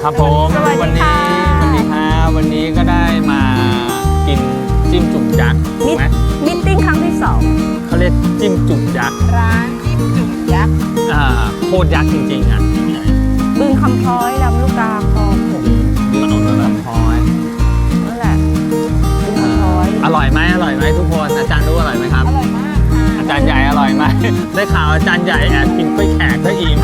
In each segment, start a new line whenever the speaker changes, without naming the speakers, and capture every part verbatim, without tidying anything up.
ครับผมวันนี้วันนี้ครับวันนี้ก็ได้มากินจิ้มจุ่มยักษ์ถูกไหม
มิทติ้งครั้งที่สอง
เขาเรียกจิ้มจุ่มยักษ์
ร้านจิ้มจุ่มยักษ์
อ่าโคตรยักษ์จริงๆอ่ะ
บึงคำพ้อยลำลูกกาคลองหก
ถนนลำพ้อย
นั่นแหละบึงคำพ้อย
อร่อยไหมอร่อยไหมทุกคนอาจารย์รู้อร่อยไหมครับ
อร่อยมากค่ะ
อาจารย์ใหญ่อร่อยไหมได้ข่าวอาจารย์ใหญ่แอบกินกล้วยแขกก็อิ่ม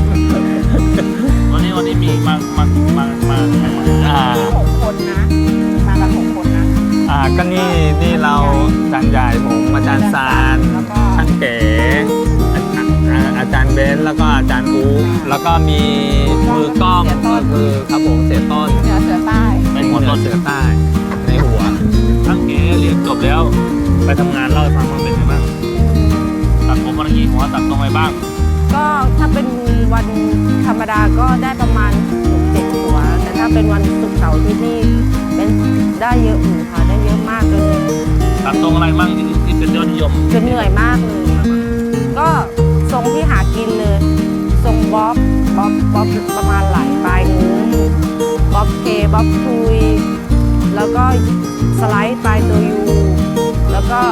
วันนี้วันนี้มีมามามามา
อ่า
หกคนนะมากันหกคนนะ
อ่าก็นี่นี่เราอาจารย์ใหญ่ผมอาจารย์ซานช่างเก๋อาจารย์เบนแล้วก็อาจารย์อูแล้วก็มีมือกล้องก็คือครับผมเสียต้น
เสือเสือใต้
เป็นหัวต้นเสือใต้ในหัว
ช่างเก๋เรียนจบแล้วไปทำงานเล่าให้ฟังมันเป็นยังไงบ้างตัดผมวันนี้หัวตัดตรงไหนบ้าง
ก็ถ้าเป็นวันธรรมดาก็ได้ประมาณหกเจ็ดหัวแต่ถ้าเป็นวันศุกร์เสาร์ที่นี่เป็นได้เยอะอยู่ค่ะได้เยอะมากเลย
ตัดตรงอะไรบ้างที่ที่เป็นยอดนิยม
จนเหนื่อยมากเลยก็ทรงที่หากินเลยทรงบ๊อบบ๊อบบ๊อบประมาณหลายปลายนิ้วบ๊อบเคบ๊อบทุยแล้วก็สไลด์ปลายตัวยูแล้วก็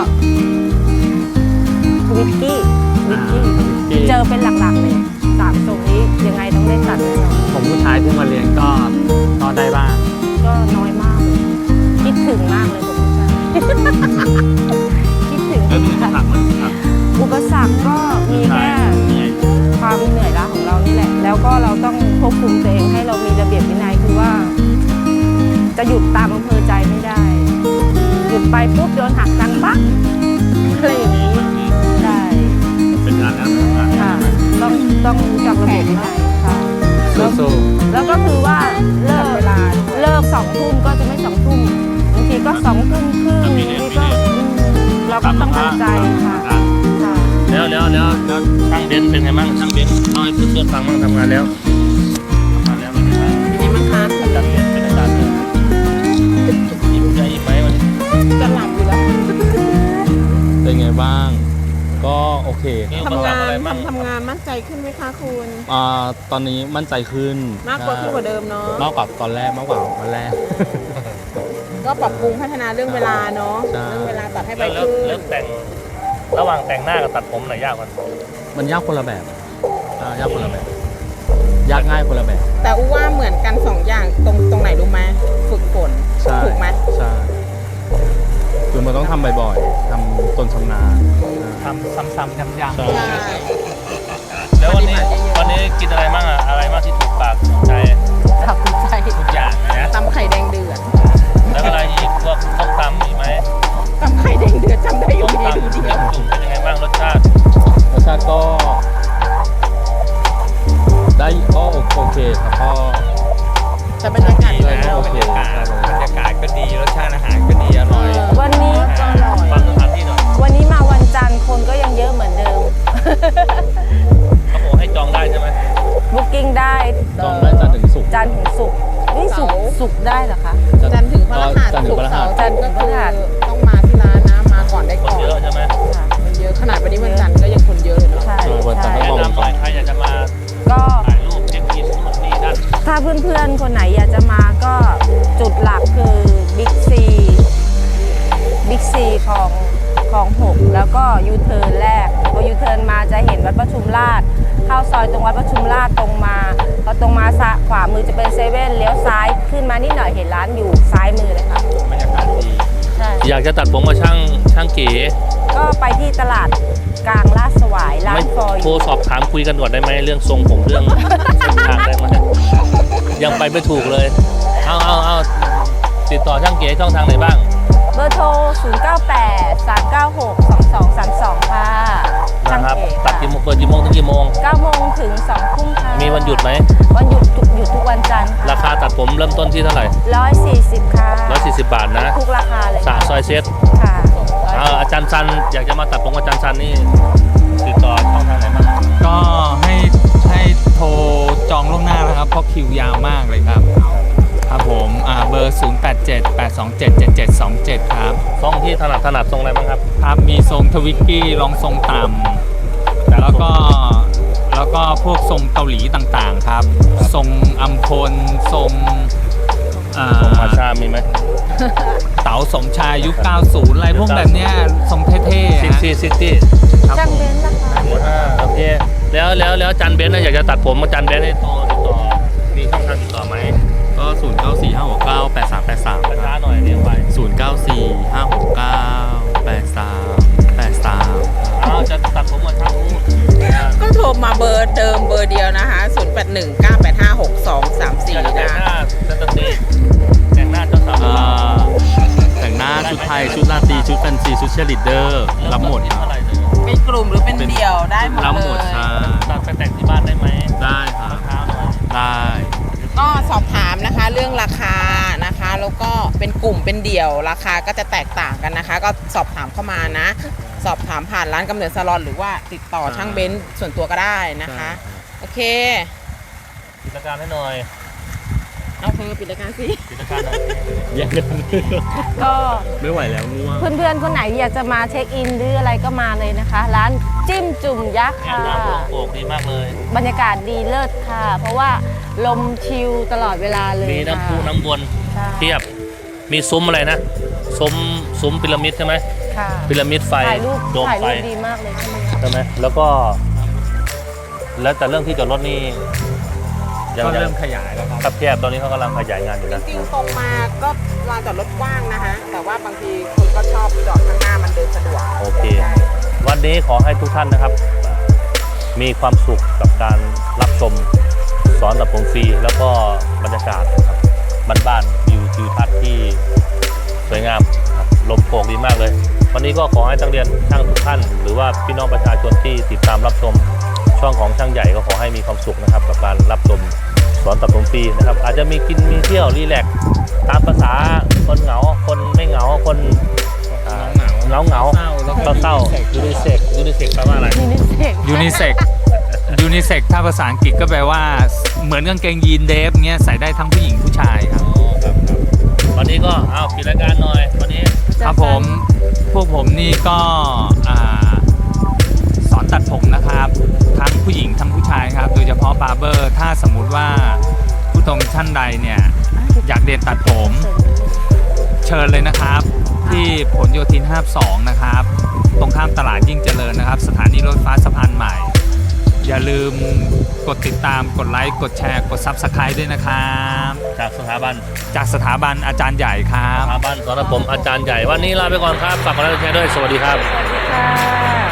วิกกี้วิกกี้เจอเป็นหลักๆเลยสามทรงนี้ยังไงต้องได้ตัดแน่นอน
ผมผู้ชายที่มาเรียนก็ก็ได้บ้าง
ก็น้อยมากเลยคิดถึงมากเลยผมผู้ชายคิดถึง
แล้วมีอุปสรรคไหมครับ
อุปสรรคก็มีแค่ความเหนื่อยล้าของเรานี่แหละแล้วก็เราต้องควบคุมตัวเองให้เรามีระเบียบวินัยคือว่าจะหยุดตามอำเภอใจไม่ได้หยุดไปปุ๊บโดนหักตังค์ปั๊บอะไรอย่างนี้ได้
เป็นงานแล้ว
ค่ะต้องต้องรู้จักระเบียบวินัยค่ะ
สู้
ๆแล้วก็คือว่าเลิกเวลาเลิกสองทุ่มก็จะไม่สองทุ่มบางทีก็สองทุ่มครึ่งนี่ก็เราก็ต้องตั้งใจค่ะ
แล้วแล้วแล้วแล้วช่างเบนเป็นไงบ้างช่างเบนเล่าให้เพื่อนๆฟังบ้างทำงานแล้วทำงานแล้วเป็นไงบ้าง
เป็นไงบ้างคะ
อาจารย์เบนเป็นอาจารย์เลยอิ่มใจอิ่มไหมวันนี้
จะหลับอยู่แล้ว
เป็นไงบ้างก็โอเค
ทำงานทำทำงานมั่นใจขึ้นไหมคะคุณ
อ่าตอนนี้มั่นใจขึ้น
มากกว่าขึ้นกว่าเดิมเนาะ
มากกว่าตอนแรกมากกว่าวันแรก
ก็ปรับปรุงพัฒนาเรื่องเวลาเนาะเรื่องเวลาตัดให้ไปขึ้น
เริ่มแต่งระหว่างแต่งหน้ากับตัดผมไหนยากกว่า
มันยากคนละแบบยากคนละแบบยากง่ายคนละแบบ
แต่อู้ว่าเหมือนกันสองอย่างตรงตรงไหนรู้ไหมฝึกฝนถูกไหม
ใช่คือมันต้องทำบ่อยๆทำตนชำนาญ
ทำซ้ำๆย้ำๆใช่แล้ววันนี้วันนี้กินอะไรบ้างอะอะไรมากที่ถูกปากถูกใจ
ถูกใจ
ทุกอย่างนะ
ตำไข่แดงเดือด
แล้วอะไรอีกพวกต้มตำมีไหม
ตำไข่แดงเดือดจำได้อยู่
ต้มตำ
ดี
แล้วจุ่มเป็นยังไงบ้างรสชาติ
รสชาติก็ได้ก็โอเคครับก็
แต่บรรยากาศ
ดีนะโอเค
บรรยากาศก็ดีรสชาติอาหารก็ดีอร่อย
วันนี้ก็อร่อย
ฟังสถานที่หน่อย
วันนี้มาวันจันทร์คนก็ยังเยอะเหมือนเดิม
เขาบอกให้จองได้ใช่ไหม
บุ๊กิ้งได้
จองได้จันทร์ถึงศุกร์
จันทร์ถึงศุกร์นี่ศุกร์ศุกร์ได้เหรอคะจันทร์ถึงพฤหัสศุกร์เสาร์จันทร์ก็คือต้องมาที่ร้านนะมาก่อนได้ก่อน
เยอะใช่ไหม
มันเยอะขนาดวันนี้วันจันทร์ก็ยังคนเยอะเลยเนาะใช่
ใช่
แนะนำหน่อยใครอยากจะมา
ก็
ถ่ายรูปเช็คอินนู่นนี่นั่น
ถ้าเพื่อนๆคนไหนอยากจะมาก็จุดหลักคือบิ๊กซีบิ๊กซีของของหกแล้วก็ยูเทิร์นแรกพอยูเทิร์นมาจะเห็นวัดประชุมราษฎร์เข้าซอยตรงวัดประชุมราษฎร์ตรงมาพอตรงมาขวามือจะเป็นเซเว่นเลี้ยวซ้ายขึ้นมานิดหน่อยเห็นร้านอยู่ซ้ายมือเลยค่ะ
บรรยากาศดี
ใช่
อยากจะตัดผมมาช่างช่างเก๋
ก็ไปที่ตลาดกลางลาดสวายร้านฟอย
โทรสอบถามคุยกันก่อนได้ไหมเรื่องทรงผมเรื่องเส้นทางได้ไหมยังไปไม่ถูกเลยเอาเอาเอาติดต่อช่างเก๋ช่องทางไหนบ้าง
เบอร์โทรศูนย์ เก้า แปด สาม เก้า หก สอง สอง สาม สองค่ะ
นะครับตัดกี่โมงเปิดกี่โมงถึงกี่โมง
เก้าโมงถึงสองทุ่มค่ะ
มีวันหยุดไหม
วันหยุดหยุดทุกวันจันทร์
ราคาตัดผมเริ่มต้นที่เท่าไหร่
ร้อยสี่สิบค่ะ
ร้อยสี่สิบบาทนะ
ทุกราคาเลย
สาซอยเซต
ค่ะ
อาจารย์ซันอยากจะมาตัดผมอาจารย์ซันนี่ติดต่อช่องทางไหนบ้าง
ก็ให้ให้โทรจองล่วงหน้านะครับเพราะคิวยาวมากเลยครับครับผมอ่าเบอร์ศูนย์ แปด เจ็ด แปด สอง เจ็ด เจ็ด เจ็ด สอง เจ็ดครับ
ทรงที่ถนัดถนัดทรงอะไรบ้างครับ
ครับมีทรงทวิกกี้รองทรงต่ำแล้วก็แล้วก็พวกทรงเกาหลีต่างๆครับ ทรงอัมพลทรงเอ่อ
ของมาชามีไหม
เต๋าสมชายยุค เก้าสิบ อะไรพวกแบบเนี้ยทรงเท่ๆ
ซิก
ฮะ
ซี่ซิกซี่
ครับ
ช่าง
ผม
เบนซ์นะคะ
อ่าโอเคแล้วแล้วแล้วอาจันเบนซ์นะอยากจะตัดผมอาจันเบนซ์ให้โตติดต่อมีช่องทางติดต่อไหม
ก็ ศูนย์ เก้า สี่ ห้า หก เก้า แปด สาม แปด สาม
ช้าๆหน่อยเรียกไป
ศูนย์ เก้า สี่ ห้า หก เก้า แปด สาม แปด สาม
อ้าวจะตัดผมมาช่างรู้
ก็โทรมาเบอร์เดิมเบอร์เดียวนะคะ ศูนย์ แปด หนึ่ง เก้า แปด ห้า หก สอง สาม สี่
อยากจะแต่ง
นะ
หน้าสแตนดี้แต่งหน้าเจ้าสาว
เอ่อแต่งหน้าชุดไทย ชุดราตรีชุดแฟนซี ชุดเชียร์ลีดเดอร์ รับหมดค
เท่า
รับ
ไหร่เลย
เป็นกลุ่มหรือเป็นเดี่ยวได้หมด
รับห
เล
มด
ย
ใช่
ตัดไปแต่งที่บ้านได้ไหม
ได้ครับ
เท้าหน่อย
ได้
ก็สอบถามนะคะเรื่องราคานะคะ แล้วก็เป็นกลุ่มเป็นเดี่ยวราคาก็จะแตกต่างกันนะคะ ก็สอบถามเข้ามานะ สอบถามผ่านร้านกำเนิดซาลอนหรือว่าติดต่อช่างเบนซ์ส่วนตัวก็ได้นะคะ โอเค
กิจการให้หน่อย
เอาเธอปิดรายการสิ
กิจการหน่อย
แย่งกัน
ก็
ไม่ไหวแล้วง่วง
เพื่อนๆ คนไหนอยากจะมาเช็คอินหรืออะไรก็มาเลยนะคะ ร้านจิ้มจุ่มยักษ์
เนี่ย
ค่ะ
น้ำโป่งโป่งดีมากเลย
บรรยากาศดีเลิศค่ะ เพราะว่าลมชิลตลอดเวลาเลย
มีน้ำพุ
ค่ะ
น้ำวน
ใช่
เทียบ มีซุ้มอะไรนะ ซุ้มซุ้มพีระมิดใช่ไหม
ค่ะ
พีระมิดไฟ
ถ่ายรูป
โดม
ถ่าย
ไฟ
รูปดีมากเลยใช่ไหมคะ
ใช่ไหมแล้วก็ แล้วแต่เรื่องที่จอดรถนี่ยัง
ก็
ยัง
เริ่มขยายแล้วครับ
ครับแคบตอนนี้เขากำลังขยายงานอยู่
จ
นะ
ริงๆตรงมาก็ลานจอดรถกว้างนะคะ แต่ว่าบางทีคนก็ชอบจอดข้างหน้ามันเดินสะดวก
โอเค วันนี้ขอให้ทุกท่านนะครับ มีความสุขกับการรับชมสอนตัดผมฟรีแล้วก็บรรยากาศนะครับบ้านๆวิวทิวทัศน์ที่สวยงามครับลมโกกดีมากเลย วันนี้ก็ขอให้นักเรียนช่างทุกท่าน หรือว่าพี่น้องประชาชนที่ติดตามรับชมช่องของช่างใหญ่ก็ขอให้มีความสุขนะครับ กับการรับชมสอนตัดผมฟรีนะครับ อาจจะมีกินมีเที่ยวรีแลกซ์ตามภาษาคนเหงา คนไม่เหงาคนอ่าเหงาเหงา
เศร้าแล้วก็
เศร้าๆยูนิเซ็กยูนิเซ็กแปลว่าอะไร
ยูนิเซ็ก
ยูนิเซ็กยูนิเซ็กถ้าภาษาอังกฤษก็แปลว่าเหมือนกางเกงยีนเดฟเงี้ยใส่ได้ทั้งผู้หญิงผู้ชายครับ
วันนี้ก็เอาปิดรายการหน่อยวันนี้
ครับผมพวกผมนี่ก็อ่าสอนตัดผมนะครับ ทั้งผู้หญิงทั้งผู้ชายครับ โดยเฉพาะบาร์เบอร์ ถ้าสมมุติว่าผู้ชมท่านใดเนี่ยอยากเรียนตัดผมเชิญเลยนะครับ ที่ผลโยธินห้าสิบสองนะครับ ตรงข้ามตลาดยิ่งเจริญนะครับ สถานีรถไฟฟ้าสะพานใหม่ อย่าลืมกดติดตามกดไลค์กดแชร์กด ซับสไครบ์ ด้วยนะครับ
จากสถาบัน
จากสถาบันอาจารย์ใหญ่ครั
ส
บ
ถาบันสอนผมอาจารย์ใหญ่วันนี้ลาไปก่อนครับฝากกดไลค์กดแชร์ด้วยสวัสดีครับ
ค่ะ